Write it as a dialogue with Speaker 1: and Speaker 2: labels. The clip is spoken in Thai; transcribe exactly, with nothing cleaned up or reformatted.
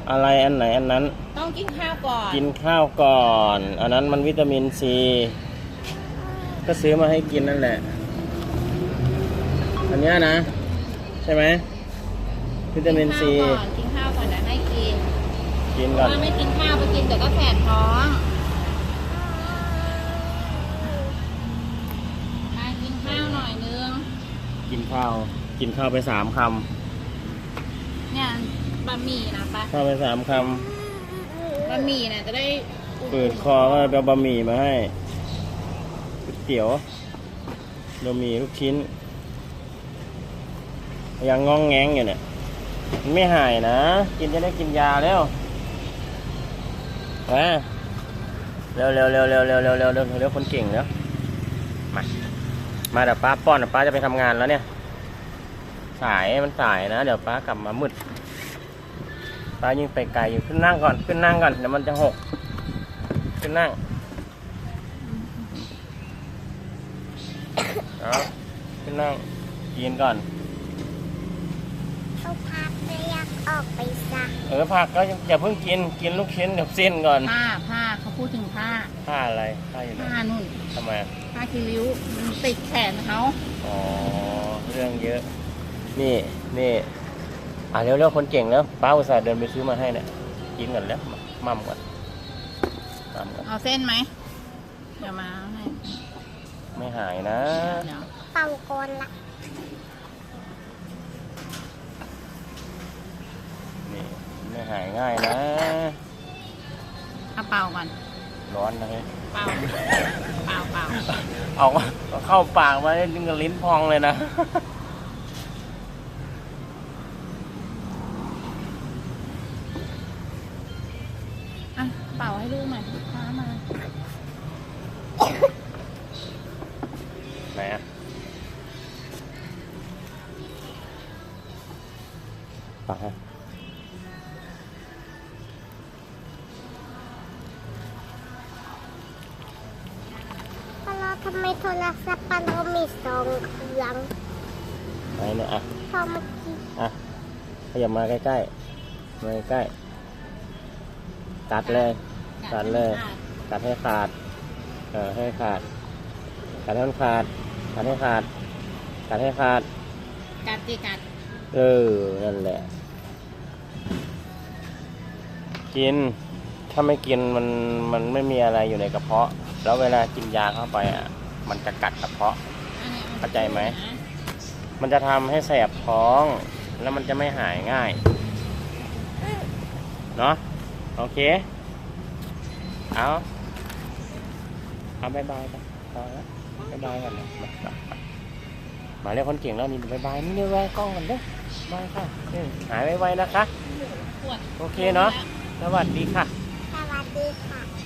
Speaker 1: อะไรอันไหนอันนั้น
Speaker 2: ต้องกินข้าวก่อน
Speaker 1: กินข้าวก่อนอันนั้นมันวิตามินซีก็ซื้อมาให้กินนั่นแหละอันนี้นะใช่ไหมวิตามินซี
Speaker 2: กินข้าวก่อนนะให้กิน
Speaker 1: กินก่อน
Speaker 2: ถ้าไม่กินข้าวไปกินเดี๋ยวก็แสบท้องมากินข้าวหน่อยนึง
Speaker 1: กินข้าวกินข้าวไปสามคำ
Speaker 2: เนี่ยบะหมี่นะปะ
Speaker 1: ข้าวไปสามค
Speaker 2: ำบะหมี่นะจะได้
Speaker 1: เปิดคอก็ไปเอาบะหมี่มาให้ก๋วยเตี๋ยวบะหมี่ลูกชิ้นยังงองแงงอยู่เนี่ยมันไม่หายนะกินจะได้กินยาแล้วมาเร็วเร็วเร็วเร็วเร็วเร็วเร็วเร็วเร็วคนเก่งแล้วมามาเดี๋ยวป้าป้อนเดี๋ยวป้าจะไปทำงานแล้วเนี่ยสายมันสายนะเดี๋ยวป้ากลับมามืดป้ายิ่งไปไกลอยู่ขึ้นนั่งก่อนขึ้นนั่งก่อนเดี๋ยวมันจะหกขึ้นนั่งเอาขึ้นนั่งกินก่อน
Speaker 3: เขาพักไม่อยากออกไปซัก
Speaker 1: เออผักก็อย่าเพิ่งกินกินลูกชิ้นเดี๋ยวเส้นก่อน
Speaker 2: ผ้าผ้าเขาพูดถึงผ้า
Speaker 1: ผ้าอะไรผ้าอยู่ไหน
Speaker 2: ผ้านุ่น
Speaker 1: ทำไม
Speaker 2: ผ้าคีริ้วมันติดแขนเขา
Speaker 1: อ๋อเรื่องเยอะนี่นี่อ่ะเร็วๆคนเก่งแล้วป้าอุตส่าห์เดินไปซื้อมาให้เนี่ยกินก่อนแล้วมั่มก่อนมั่มก่อน
Speaker 2: เอาเส้นไหมเดี๋ยวมาให้
Speaker 1: ไม่หายนะ
Speaker 3: เป่าก่อนละ
Speaker 1: นี่ไม่หายง่ายนะ
Speaker 2: เอาเป่าก่อน
Speaker 1: ร้อนนะเฮ้ย
Speaker 2: เป่าเป่าเป่า
Speaker 1: เอาเข้าปากมาได้ดึงกับลิ้นพองเลยนะ
Speaker 2: เป่าให้ลูกหน่อยพามา
Speaker 1: ไหนอ่ะปากฮะ
Speaker 3: ปลาทำไมโทรศัพท์ปลาเรามีสองเครื่อง
Speaker 1: ไหนเนี่ยอ่ะ
Speaker 3: พอเมื่อกี้
Speaker 1: อ่ะขยับมาใกล้ๆมาใกล้ตัดเลยตัดเลยตัดให้ขาดเออให้ขาดตัดให้มันขาดตัดให้ขาดตัดให้ขาด
Speaker 2: กัดจีกัด
Speaker 1: เออนั่นแหละกินถ้าไม่กินมันมันไม่มีอะไรอยู่ในกระเพาะแล้วเวลากินยาเข้าไปอ่ะมันจะกัดกระเพาะเข้าใจไหมมันจะทำให้แสบท้องแล้วมันจะไม่หายง่ายเนาะโอเคเอาเอาบายบายกันพอแล้วบายบายกันนะมามาเรียกคนเก่งแล้วนี่บายบายนี่เรียกไว้กล้องกันเด้อบายค่ะหายไวๆนะคะโอเคเนาะสวัสดีค่ะ
Speaker 3: สวัสดีค่ะ